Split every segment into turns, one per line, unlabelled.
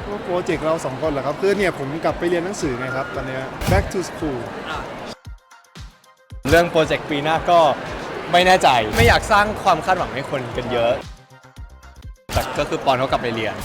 ก็โปรเจกต์เราสองคนเหรอครับคือเนี่ยผมกลับไปเรียนหนังสือไงครับตอนเนี้ย back to school
เรื่องโปรเจกต์ปีหน้าก็ไม่แน่ใจไม่อยากสร้างความคาดหวังให้คนกันเยอะแต่ก็คือปอนเขากลับไปเรียน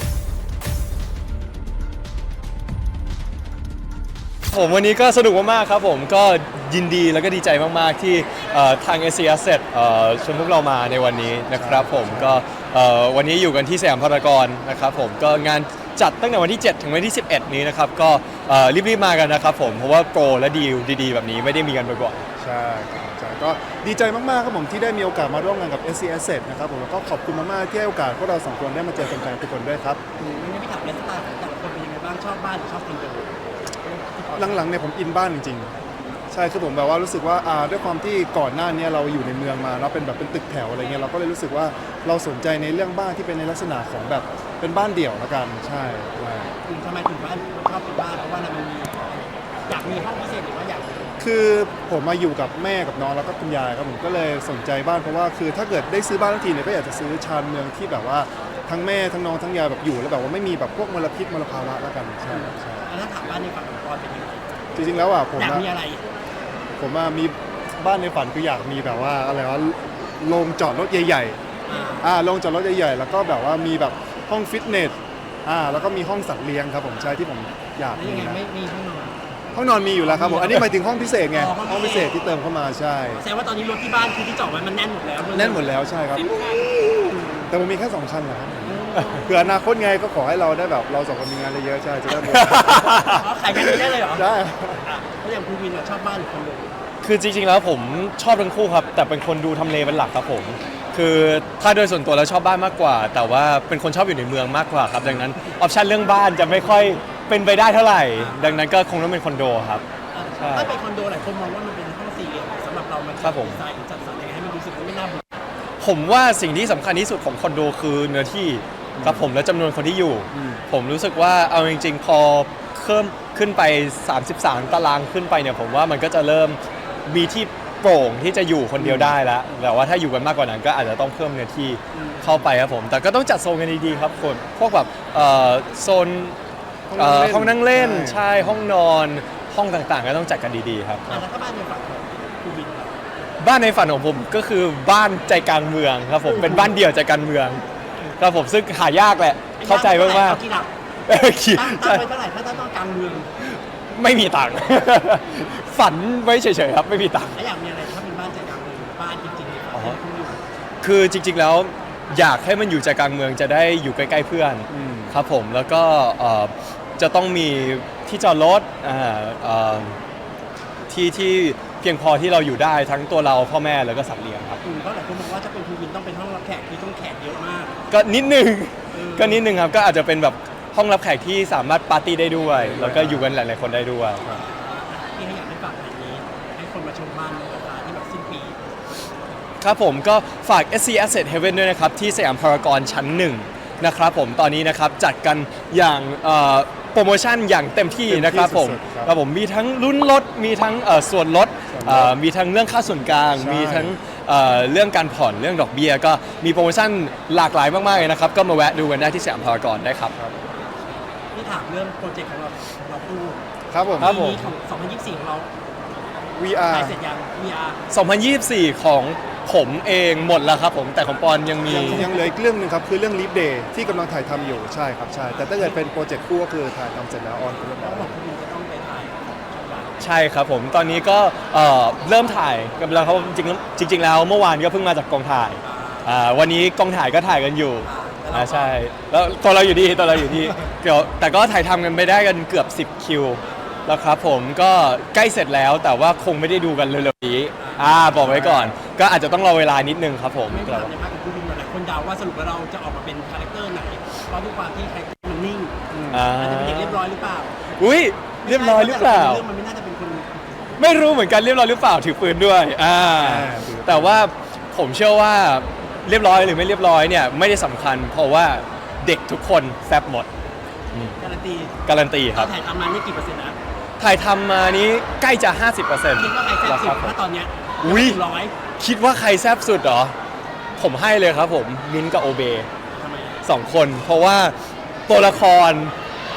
ผมวันนี้ก็สนุกมากๆครับผมก็ยินดีแล้วก็ดีใจมากๆที่ทาง SC Asset ชวนพวกเรามาในวันนี้นะครับผมก็วันนี้อยู่กันที่สยามพารากอนนะครับผมก็งานจัดตั้งแต่วันที่ 7 ถึงวันที่ 11 นี้นะครับก็รีบๆมากันนะครับผมเพราะว่าโปรและดีลดีๆแบบนี้ไม่ได้มีกันบ่อยๆ
ใช่ครับใช่ก็ดีใจมากๆครับผมที่ได้มีโอกาสมาร่วมงานกับ SC Asset นะครับผมแล้วก็ขอบคุณมากๆที่ให้โอกาสพวกเราสองคนได้มาเจอแฟนๆทุกคนด้วยครับ
วันนี้พี่ถามไลฟ์สไตล์ของแต่ละคนเป็นยังไงบ้างชอบบ้านหรือชอบคอนโด
หลังๆเนี่ยผมอินบ้านจริงๆใช่คือผมแบบว่ารู้สึกว่าด้วยความที่ก่อนหน้านี้เราอยู่ในเมืองมาเนาะเป็นแบบเป็นตึกแถวอะไรเงี้ยเราก็เลยรู้สึกว่าเราสนใจในเรื่องบ้านที่เป็นในลักษณะของแบบเป็นบ้านเดี่ยวละกันใช่
ทำไมถึงบ้านชอบเป็นบ้านเพราะว่ามันมีอยากมีห้องพิเศษหรือว่าอยาก
คือผมมาอยู่กับแม่กับน้องแล้วก็คุณยายครับผมก็เลยสนใจบ้านเพราะว่าคือถ้าเกิดได้ซื้อบ้านทันทีเนี่ยก็อยากจะซื้อชานเมืองที่แบบว่าทั้งแม่ทั้งน้องทั้งยายแบบอยู่แล้วแบบว่าไม่มีแบบพวกมลพิษมลภาวะแล้วกันใช่ใช่
แล้วถ้าถามบ้านในฝันของปอนเป็นยังไง
จริงๆแล้วผม
อยากมีอะไร
ผมมีบ้านในฝันคืออยากมีแบบว่าอะไรวะโรงจอดรถใหญ่ๆโรงจอดรถใหญ่ๆแล้วก็แบบว่ามีแบบห้องฟิตเนสแล้วก็มีห้องสัตว์เลี้ยงครับผมใช่ที่ผมอยากมีนะ
ไม่มีห้องนอน
ห้องนอนมีอยู่แล้วครับผมอันนี้หมายถึงห้องพิเศษไงห้องพิเศษที่เติมเข้ามาใช่
แสดงว่าตอนนี้รถที่บ้านคือที่จอดไว้มันแน่นหมดแล้ว
แน่นหมดแล้วใช่ครับแต่ผมมีแค่2 ชั้นนะครับเผื่ออนาคตไงก็ขอให้เราได้แบบเรา2 คนมีงานเยอะๆใช่จะได้
ขายกันได้เลยเหรอ
ใช่
แล้วอย่างคุณวินชอบบ้านหรือคอนโด
คือจริงๆแล้วผมชอบทั้งคู่ครับแต่เป็นคนดูทำเลเป็นหลักครับผมคือถ้าโดยส่วนตัวแล้วชอบบ้านมากกว่าแต่ว่าเป็นคนชอบอยู่ในเมืองมากกว่าครับดังนั้นออปชันเรื่องบ้านจะไม่ค่อยเป็นไปได้เท่าไหร่ดังนั้นก็คงต้องเป็นคอนโดครับ
ถ้าเป็นคอนโดหลายคนมองว่ามันเป็นห้องสี่เหลี่ยมสำหรับเรามันดีไซน์จัดสรรยังไงให้มันรู้สึกว่าไม่น่าเบื่อ
ผมว่าสิ่งที่สำคัญที่สุดของคอนโดคือเนื้อที่ครับผมและจำนวนคนที่อยู่ผมรู้สึกว่าเอาจริงๆพอเพิ่มขึ้นไป33 ตารางขึ้นไปเนี่ยผมว่ามันก็จะเริ่มมีที่โปร่งที่จะอยู่คนเดียวได้แล้วแต่ว่าถ้าอยู่กันมากกว่านั้นก็อาจจะต้องเพิ่มเนื้อที่เข้าไปครับผมแต่ก็ต้องจัดโซนกันดีๆครับคนพวกแบบโซนห้องนั่งเล่นใช่ห้องนอนห้องต่างๆก็ต้องจัดกันดีๆครับ
แล้วถ้าบ้านในฝันคุณวิน
บ้านในฝันของผมก็คือบ้านใจกลางเมืองครับผมเป็นบ้านเดี่ยวใจกลางเมืองครับผมซึ่งหายากแหละเข้าใจมาก
ๆตั้งไปเท่าไหร่ถ้าต้องกลางเมือง
ไม่มีตังค์ฝันไว้เฉยๆครับไม่มีตังค์
แล้วอยากมีอะไรถ้าเป็นบ้านใจกลางเมืองบ้านจริงๆ
คือจริงๆแล้วอยากให้มันอยู่ใจกลางเมืองจะได้อยู่ใกล้ๆเพื่อนครับผมแล้วก็จะต้องมีที่จอดรถที่เพียงพอที่เราอยู่ได้ทั้งตัวเราพ่อแม่แล้วก็สัตว์เลี้ยงครับ
เพราะหลายคนบอกว่าจะเป็นคุณวินต้องเป็นห้องรับแขกที่ต้องแขกเยอะมาก
ก็นิดนึงครับก็อาจจะเป็นแบบห้องรับแขกที่สามารถปาร์ตี้ได้ด้วยแล้วก็อยู่กันหลายๆคนได้ด้วย
ที่อยากให้ฝากแบบนี้ให้คนมาชมบ้านในราคาที่แบบสิ้นปี
ครับผมก็ฝาก SC Asset Heaven ด้วยนะครับที่สยามพารากอนชั้น1นะครับผมตอนนี้นะครับจัดกันอย่างโปรโมชั่นอย่างเต็มที่นะครับผมมีทั้งลุ้นลดมีทั้งส่วนลดมีทั้งเรื่องค่าส่วนกลางมีทั้งเรื่องการผ่อนเรื่องดอกเบี้ยก็มีโปรโมชั่นหลากหลายมากๆเลยนะครับก็มาแวะดูกันได้ที่สยามพารากอนได้ครับ
ที่ถามเรื่องโปรเจกต์ของเราพูด
ครับผม
ปีของ2024ของเรา
VR
เสร็จยัง VR
2024ของผมเองหมดแล้วครับผมแต่ของปอนยังเห
ลืออีกเรื่องนึงครับคือเรื่อง Leap Day ที่กำลังถ่ายทำอยู่ใช่ครับใช่แต่ถ้าเกิดเป็นโปรเจกต์คู่ก็คือถ่ายทำเสร็จแล้วออนไปแล้ว
บอกคุณจะต้องไปถ่าย
ใช่ครับผมตอนนี้ก็เริ่มถ่ายกันแล้วเขาจริงแล้วเมื่อวานก็เพิ่งมาจากกองถ่ายวันนี้กองถ่ายก็ถ่ายกันอยู่ใช่แล้วตัวเราอยู่ที่เดี๋ยวแต่ก็ถ่ายทำกันไปได้กันเกือบ10 คิวแล้วครับผมก็ใกล้เสร็จแล้วแต่ว่าคงไม่ได้ดูกันเร็วๆนี้บอกไว้ก่อนก็อาจจะต้องรอเวลานิดนึงครับผม
ในภาคของคุณวินหลายคนเดาว่าสรุปว่าเราจะออกมาเป็นคาแรคเตอร์ไหนเพราะด้วยความที่คาแรคเตอร์มันนิ่งอาจจะเป็นเด็กเรียบร้อยหรือเปล่า
อุ้ยเรียบร้อยหรือเปล่า
เรื่องมันไม่น่าจะเป็นคน
ไม่รู้เหมือนกันเรียบร้อยหรือเปล่าถือปืนด้วยแต่ว่าผมเชื่อว่าเรียบร้อยหรือไม่เรียบร้อยเนี่ยไม่ได้สำคัญเพราะว่าเด็กทุกคนแซ่บหมดการันตีครับ
ถ่ายทำมานี่กี่เปอร์เซ็นต์นะ
ถ่ายทำมานี้ใกล้จะ 50%คิด
ว่าใครแซ่บสุดถ้าตอนเนี้ย
คิดว่าใครแซ่บสุดเหรอผมให้เลยครับผมมิ้นกับโอเบ2 คนเพราะว่าตัวละคร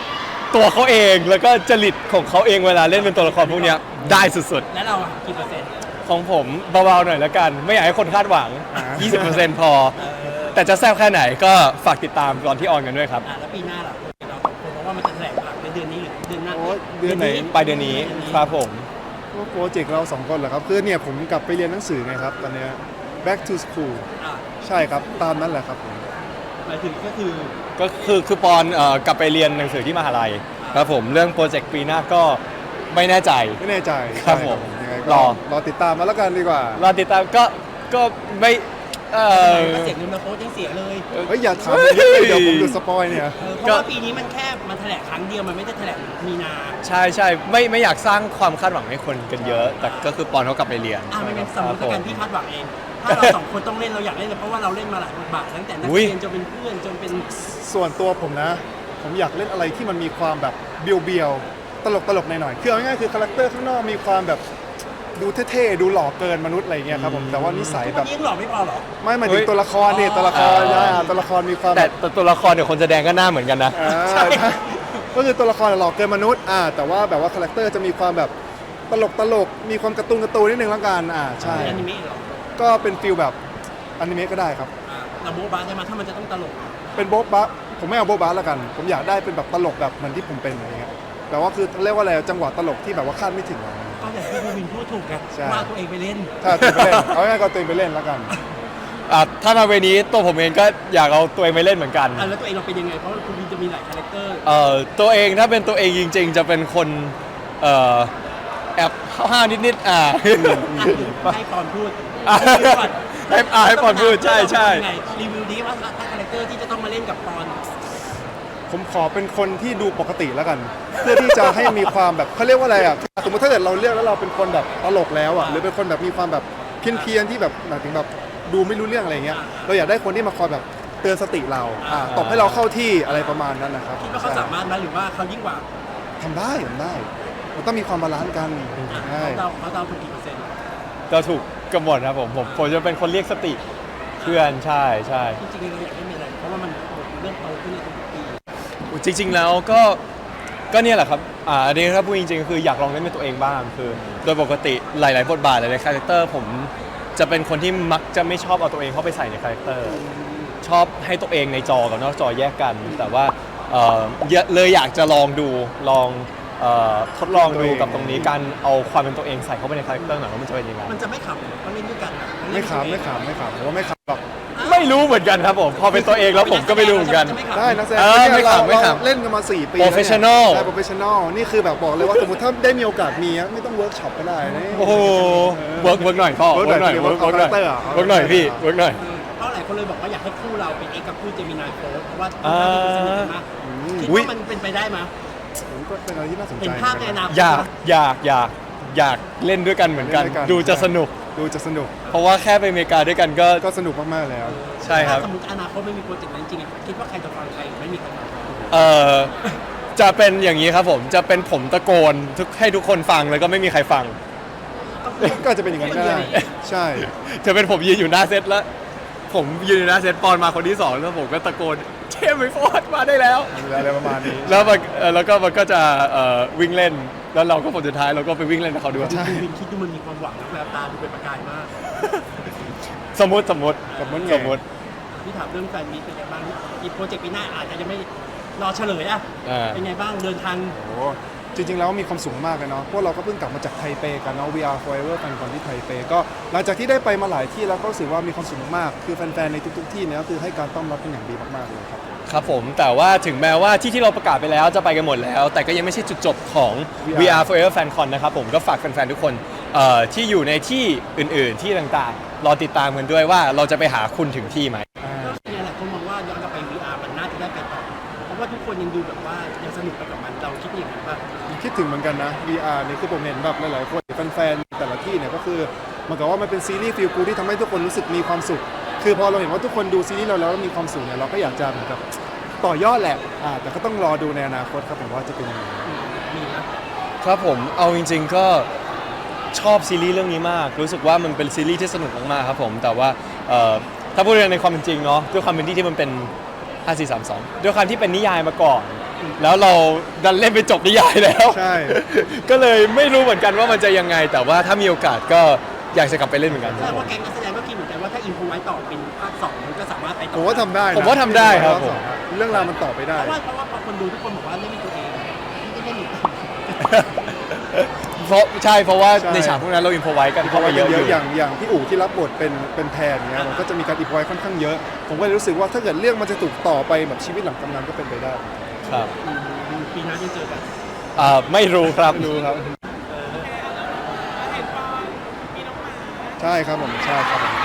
ตัวเขาเองแล้วก็จริตของเขาเองเวลาเล่นเป็นตัวละครพวกเนี้ยได้สุด
แล้วเราอะกี่เปอร์เซ็นต์
ๆของผมเบาๆหน่อยแล้วกัน ไม่อยากให้คนคาดหวัง 20%พอ แต่จะแซ่บแค่ไหนก็ฝากติดตามตอนที่ออนกันด้วยครับ
แล้วปีหน้าล่ะเราเพราะว่ามันจะแถลงหลังในเดือนนี้หรือเดือนหน้า
โอ้ยเดือนไหน
ปลายเดือนนี้ครับผม
ก็โปรเจกต์เราสองคนเหรอครับคือเนี่ยผมกลับไปเรียนหนังสือไงครับตอนเนี้ย back to school
อ่ะ
ใช่ครับตามนั้นแหละครับผม
หมายถึงก็คือ
คือปอนกลับไปเรียนหนังสือที่มหาลัยครับผมเรื่องโปรเจกต์ปีหน้าก็ไม่แน่ใจ
ไม่แน่ใจ
ครับ
ใช่
ผม
ยังไง
ร
ก็
อ
รอติดตามมาแล้วกันดีกว่า
รอติดตามก็ไม่เออ
ก็เสียเงินมาโค้ชยังเสียเลย
เฮ้ยอย่าถามเยอะเลยเดี๋ยวผมดูสปอยเนี่ย
เพราะว่าปีนี้มันแค่มันแถลงครั้งเดียวมันไม่ได้แถลงมีนา
ใช่ไม่อยากสร้างความคาดหวังให้คนกันเยอะ แต่ก็คือปอนเขากลับไปเรียน
ไม่งั้นสมมติ
ครับ
การ
ผม
พี่คาดหวังเอง ถ้าเราสองคนต้องเล่นเราอยากเล่นเลยเพราะว่าเราเล่นมาหลายบทบาทตั้งแต่นัก
อุ๊ย
เรียนจนเป็นเพื่อนจนเป็น
ส่วนตัวผมนะ ผมอยากเล่นอะไรที่มันมีความแบบเบียวๆตลกหน่อยๆคือเอาง่ายๆคือคาแรคเตอร์ข้างนอกมีความแบบดูเท่ๆดูหล่อเกินมนุษย์อะไรเงี้ยครับผมแต่ว่านิสัย
ทุก
แบ
วัน
บ
นี้ยังหล่อไม่พอเหรอ
ไม่หมายถึงตัวละครนี่
อ๋อ
ตัวละครนะตัวละครมีความ
แต่
แบบ
แต่ตัวละครเดี๋ยวคนแสดงก็หน้าเหมือนกันนะ
ใช่ก็คือตัวละครหล่อเกินมนุษย์แต่ว่าแบบว่าคาแรคเตอร์จะมีความแบบตลกมีความการ์ตูนนิดนึงแล้วกันใช่
เป็นอนิเมะเหรอ
ก็เป็นฟิลแบบอนิเมะก็ได้ครับ
เราโบ๊ะบ้าใช่ไหมถ้ามันจะต้องตลก
เป็นโบ๊ะบะผมไม่เอาโบ๊ะบะแล้วกัน ผมอยากได้เป็นแบบตลกแบบเหมือนที่ผมเป็นอะไรเงี้ยแต่ว่าคือเรียกว่าอะไรจังหวะตลกที่แบบว่าคาดไม่ถึงอะ
ก็อย่างที่พี่วินพูดถูกไง
ใช่
ว่าตัวเองไปเล่น
ถ้าตัวไปเล่นเอาง่ายๆก็ตัวเองไปเล่นแล้วกัน
ถ้ามาเวนี้ตัวผมเองก็อยากเอาตัวเองไปเล่นเหมือนกัน
แล้วตัวเองเราเป็นยังไงเพราะว่าคุณวินจะมีหลายคาแรคเตอร์
ตัวเองถ้าเป็นตัวเองจริง ๆ จะเป็นคนแอบห้าวๆนิดๆ
ให้ปอนพูด
ให้ปอนพูดใช่
รีวิวดีว่าถ้าคาแรคเตอร์ที่จะต้องมาเล่นกับปอน
ผมขอเป็นคนที่ดูปกติแล้วกัน เพื่อที่จะให้มีความแบบเขาเรียกว่าอะไรอ่ะสมมติถ้าเกิดเราเรียกแล้วเราเป็นคนแบบตลกแล้วอ่ะหรือเป็นคนแบบมีความแบบเพี้ยนๆที่แบบหมายถึงแบบดูไม่รู้เรื่องอะไรเงี้ยเราอยากได้คนที่มาคอยแบบเตือนสติเราตบให้เราเข้าที่อะไรประมาณนั้นนะครับ
คิดว่าเขาสามารถไหมหรือว่าเขายิ่งกว่า
ทำได้มันต้องมีความบาลานซ์กันใช่
เขาเดาถูกกี่เปอร์เซ็นต์
ก็ถูกกำหนดครับผมจะเป็นคนเรียกสติเพื่อนใช่
จริงๆเราอยากให้มีอะไรเพราะว่ามันเริ่มโตขึ้นในทุกปี
จริง ๆ แล้วก็เนี่ยแหละครับอันนี้ถ้าพูดจริงๆคืออยากลองเล่นเป็นตัวเองบ้างคือ โดยปกติหลายๆบทบาทหลายๆคาแรคเตอร์ผมจะเป็นคนที่มักจะไม่ชอบเอาตัวเองเข้าไปใส่ในคาแรคเตอร์ชอบให้ตัวเองในจอกับนอกจอแยกกัน แต่ว่าเลยอยากจะลองดูทดลองดูกับตรงนี้การเอาความเป็นตัวเองใส่เข้าไปในคาแรคเตอร์หน่อยว่ามันจะเป็นยังไง
มันจะไม่ขำเพราะเล่นด้วยกันอะ
ไม่ขำผมว่าไม่ขำหรอก
ไม่รู้เหมือนกันครับผมพอเป็นตัวเองแล้วผมก็ไม่รู้เหมือนกัน
ได้นักแสดง
ไม่ขำ
เราเล่นกันมา4 ปี
Professional
ใช่ professional นี่คือแบบบอกเลยว่าสมมติถ้าได้มีโอกาสมีอะไม่ต้องเวิร์กช็อปก็ได้นะ
โอ้โหเวิร์กหน่อยพ่อ
work
เวิร์กหน่อย
หน่อย
เวิร์กหน่อย
character อะ
เวิร์กหน่อยพี่เวิร์กหน่อย
เพราะหลายคนเลยบอกว่าอยากให้คู่เราเป็นเอกกับคู่เจมินายโฟร์เพราะว่า
อ่า
สนิทกันมากคิด
อุ๊ย
ว่ามันเป็นไปได้ไหม
ผมก็เป็นอะไรที่น่าสนใจ
เห็นภาพในอนาคต
อยากเล่นด้วยกันเหมือนกัน
เล่นด้วยกัน
ดูจะสนุก
ดูจะสนุก
เพราะว่าแค่ไปอเมริกาด้วยกันก็
ก็สนุกมากๆแล้ว
ใช่ครับ
ถ้าสมมติอนาคตไม่มีโปรเจกต์นั้นจริงๆอะคิดว่าใครจะฟังใครไม่มีใครฟัง
จะเป็นอย่างนี้ครับผมจะเป็นผมตะโกนให้ทุกคนฟังแล้วก็ไม่มีใครฟัง
ก็อาจจะเป็นอย่างนั้นก็ได้ใช่
จะเป็นผมยืนอยู่หน้าเซตแล้ว ผมยืนอยู่หน้าเซตปอนมาคนที่สองแล้วผมก็ตะโกนเชมไอโฟนมาได้แล้ว
อะไรประมาณนี้
แล้วก็มันก็จะวิ่งเล่นแล้วเราก็ผลสุดท้ายเราก็ไปวิ่งเล่นกับเขาด้วย
ดูวินคิดดูมันมีความหวังนะแววตาดูเป็นประกายมาก
สมมติ
พี่ถามเรื่องแฟนมีตเป็นไงบ้างอีกโปรเจกต์ปีหน้าอาจจะยังไม่รอเฉลยอะ เป็นไงบ้างเดินทาง
โอ้จริงๆแล้วมีความสุขมากเลยเนาะพวกเราก็เพิ่งกลับมาจากไทเปกันเนาะ VR Forever กันก่อนที่ไทเปก็หลังจากที่ได้ไปมาหลายที่แล้วก็รู้สึกว่ามีความสุขมากๆคือแฟนๆในทุกๆที่เนี่ยก็คือให้การต้อนรับเป็นอย่างดีมากๆเลยครับ
ครับผมแต่ว่าถึงแม้ว่าที่เราประกาศไปแล้วจะไปกันหมดแล้ว แต่ก็ยังไม่ใช่จุดจบของ VR Forever FanCon นะครับผมก็ฝากแฟนๆทุกคนที่อยู่ในที่อื่นๆที่ต่างๆรอติดตามกันด้วยว่าเราจะไปหาคุณถึงที่ไหม
ก็เนี่ยหลายคนมองว่าย้อนกลับไป VR มันน่าจะได้ไปต่อเพราะว่าทุกคนยังดูแบบว่ายังสนุกไปกับมันเราคิดอย่างนั้นป่ะ
คิดถึงเหมือนกันนะ VR นี่คือผมเห็นแบบหลายๆคนแฟนๆแต่ละที่เนี่ยก็คือเหมือนกับว่ามันเป็นซีรีส์ฟีลกูที่ทำให้ทุกคนรู้สึกมีความสุข คือพอเราเห็นว่าทุกคนดูซีรีส์เราแล้วมีความสุขเนี่ยเราก็อยากจะเหมือนกับต่อยอดแหละแต่ก็ต้องรอดูในอนาคตครับผมว่าจะเป็นยังไง
มีนะ
ครับผมเอาจริงๆก็ชอบซีรีส์เรื่องนี้มาก รู้สึกว่ามันเป็นซีรีส์ที่สนุกมากๆครับผมแต่ว่าถ้าพูดในความเป็นจริงเนาะด้วยความเป็นที่มันเป็น 5432 ด้วยความที่เป็นนิยายมาก่อนแล้วเราดันเล่นไปจบนิยายแล้ว
ใช่
ก็เลยไม่รู้เหมือนกันว่ามันจะยังไง แต่ว่าถ้ามีโอกาสก็อยากจะกลับไปเล่นเหมือนกัน
แสดงว่าแก๊งนักแสดงก็คิดเหมือนกันว่าถ้าอินโฟไว้ต่อเป็นภาค2มันก็สามารถไปต่อ
ผมว่าทำได้นะ
ผมว่าทำได้ครับผม
เรื่องราวมันต่อไปได้
เพราะว่าพอคนดูทุกคนบอกว่าเล่นเป็นตัวเองไม่ได้เล่นอีก
เพราะว่า
ใช่
ในฉากพวกนั้นเราอินพอไว้กัน
เพ
เข้า
ราะ
มา
ว่า
เยอะอยู่
อย่างพี่อู๋ที่รับบทเป็นแทนเนี่ยมันก็จะมีการอินพอยค่อนข้างเยอะ ผมก็เลยรู้สึกว่าถ้าเกิดเรื่องมันจะถูกต่อไปแบบชีวิตหลังกำนันก็เป็นไปได้
ครับ
ปีหน้าจะเจอกัน
ไม่รู้ครับ
ไม่รู้ครับ ใช่ครับผมใช่ครับผม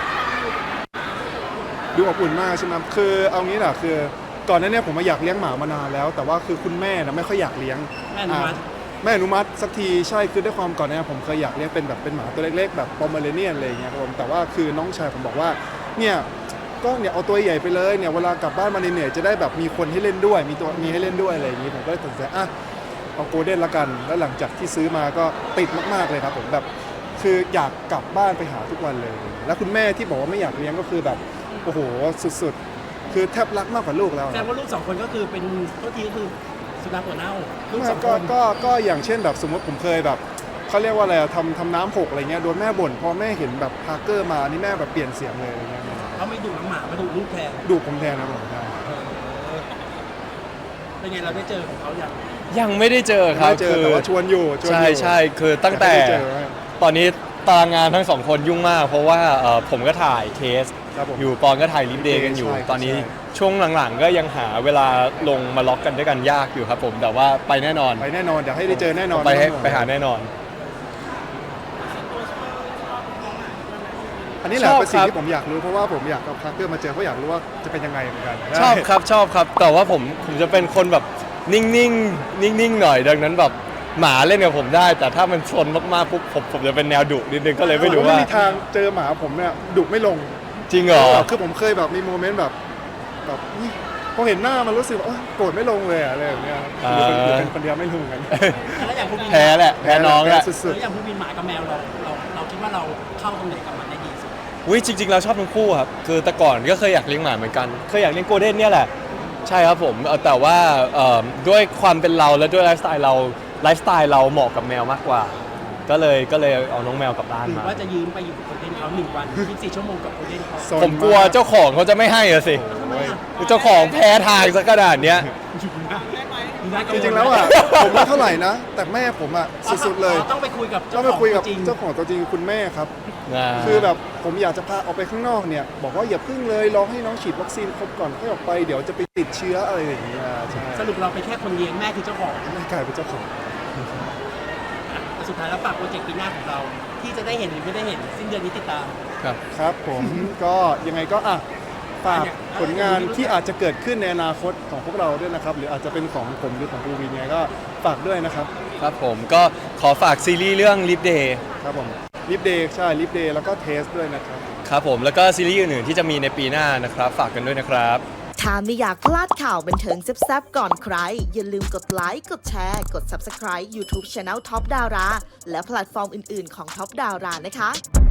ดูอบอุ่นมากใช่ไหมคือเอางี้แหละคือก่อนหน้านี้ผมมาอยากเลี้ยงหมามานานแล้ว แต่ว่าคือคุณแม่นะไม่ค่อยอยากเลี้ยง
แม่อนุมัติ
แม่อนุมัติสักทีใช่คือด้วยความก่อนหน้านี้ผมเคยอยากเลี้ยงเป็นแบบเป็นหมาตัวเล็กๆแบบปอมเมอเรเนียนอะไรอย่างเงี้ยครับผมแต่ว่าคือน้องชายผมบอกว่าเนี่ยก็เนี่ยเอาตัวใหญ่ไปเลยเนี่ยเวลากลับบ้านมาเหนื่อยๆจะได้แบบมีคนให้เล่นด้วยมีให้เล่นด้วยอะไรอย่างงี้ผมก็เลยตัดสินใจอ่ะเอาโกลเด้นละกันแล้วหลังจากที่ซื้อมาก็ติดมากๆเลยครับผมแบบคืออยากกลับบ้านไปหาทุกวันเลย แล้วคุณแม่ที่บอกว่าไม่อยากเลี้ยงก็คือแบบโอ้โหสุดๆคือแทบรักมากกว่าลูกแล้ว
แสดงว่าลูก2 คนก็คือเป็นตัวทีก็คือสุนัขหัวเน่าลูก
ไม่
2 คน
ก็อย่างเช่นแบบสมมติผมเคยแบบเขาเรียกว่าอะไรอะทำน้ำหกอะไรเงี้ยโดนแม่บ่นพอแม่เห็นแบบพาร์เกอร์มานี่แม่แบบเปลี่ยนเสียงเลยอะไรเงี้ย
เขาไม่ดุน้องหมามาดุลูกแทน
ดูผมแทนนะผมใช่
เป็นไงเราได้เจอของเขาอย่าง
ยังไม่ได้เจอครับ
ไม่เจอแต่ว่าชวนอยู่
ใช่คือตั้งแต่
ไม่ได้เจอ
ตอนนี้ตารางงานทั้งสองคนยุ่งมาก เพราะว่าผมก็ถ่ายเคส
ครับผม
อยู่ปอนก็ถ่ายลิฟเดย์กันอยู่
ใช่ครับ
ตอนนี้
ใช่
ช่วงหลังๆ ก็ยังหาเวลาลงมาล็อกกันด้วยกันยากอยู่ครับผมแต่ว่าไปแน่นอน
ไปแน่นอนเดี๋ยวให้ได้เจอแน่นอน
ไปหาแน่นอน
อันนี้แหละ
ชอบ
เป็นสิ่ง
ครับ
ที่ผมอยากรู้เพราะว่าผมอยากกับพาร์เกอร์มาเจอเพราะอยากรู้ว่าจะเป็นยังไงเหมือนกัน
ชอบครับแต่ว่าผมจะเป็นคนแบบนิ่งๆหน่อยดังนั้นแบบหมาเล่นกับผมได้ แต่ถ้ามันชนมากๆปุ๊บผมจะเป็นแนวดุนิดนึงก็เลยไม่รู้ว่า
ไม่มีทางเจอหมาผมเนี่ยดุไม่ลง
จริงเหรอ
คือผมเคยแบบมีโมเมนต์แบบนี่พอเห็นหน้ามันรู้สึกว่าโอ๊ยโกรธไม่ลงเลยอะอะไรแบบเนี้ยอยู่เป็นคนเดียวไม่รู้เหมือนกัน
แล้วอย่างผู้บิน
แพ้แหละแพ้น้องแหละ
สุด
แล้วอย่างผู้บินหมากับแมวเราคิดว่าเราเข้าตรงไหนกับมันได้ดีสุด
อุ้ยจริงๆเราชอบทั้งคู่ครับคือแต่ก่อนก็เคยอยากเลี้ยงหมาเหมือนกันเคยอยากเลี้ยงโกลเด้นเนี่ยแหละใช่ครับผมแต่ว่าด้วยความเป็นเราและด้วยไลฟ์สไตล์เราเหมาะกับแมวมากกว่า ก็เลยเอาน้องแมวกลับบ้าน
หรือ
มา
ว่าจะยืมไปอยู่กับโคเดนเขา1 วัน24 ชั่วโมงกับโคเดนเขา
ๆโซน
ผมกลัวเจ้าของเขาจะไม่ให้อะสิ
ทำไมอ่ะ
เจ้าของแพ้ทางซะขนาดเนี้ย
จริงๆแล้วอ่ะผมไม่เท่าไหร่นะ แต่แม่ผมอ่ะสุดๆเลย
ต้องไปคุยกับ
ต้องไปคุยกับ
จริง
เจ้าของตัวจริงคือคุณแม่ครับ คือแบบผมอยากจะพาออกไปข้างนอกเนี่ยบอกว่าอย่าพึ่งเลยรอให้น้องฉีดวัคซีนครบก่อนค่อยออกไปเดี๋ยวจะไปติดเชื้ออะไรอย่างเงี้ยใช่
สรุปเราไปแค่คนเลี้ยงแม่คือเจ้าของ
แม่กลายเป็นเจ้าของ
แต่สุดท้ายแล้วฝากโปรเจกต์ปีหน้าของเรา ที่จะได้เห็นหรือไม่ได้เห็นสิ้นเดือนนี้ติดตาม
ครับ
ครับผมก็ยังไงก็ฝากผลงานที่อาจจะเกิดขึ้นในอนาคตของพวกเราด้วยนะครับหรืออาจจะเป็นของผมหรือของภูวินเนี่ยก็ฝากด้วยนะครับ
ครับผมก็ขอฝากซีรีส์เรื่อง Live Day
ครับผมลิฟเดย์ใช่ลิฟเดย์แล้วก็เทสด้วยนะครับ
ครับผมแล้วก็ซีรีส์อื่นๆที่จะมีในปีหน้านะครับฝากกันด้วยนะครับ
ถ้าไม่อยากพลาดข่าวบันเทิงแซ่บๆก่อนใคร อย่าลืมกดไลค์ กดแชร์ กด Subscribe YouTube Channel Top Dara และแพลตฟอร์มอื่นๆของ Top Dara นะคะ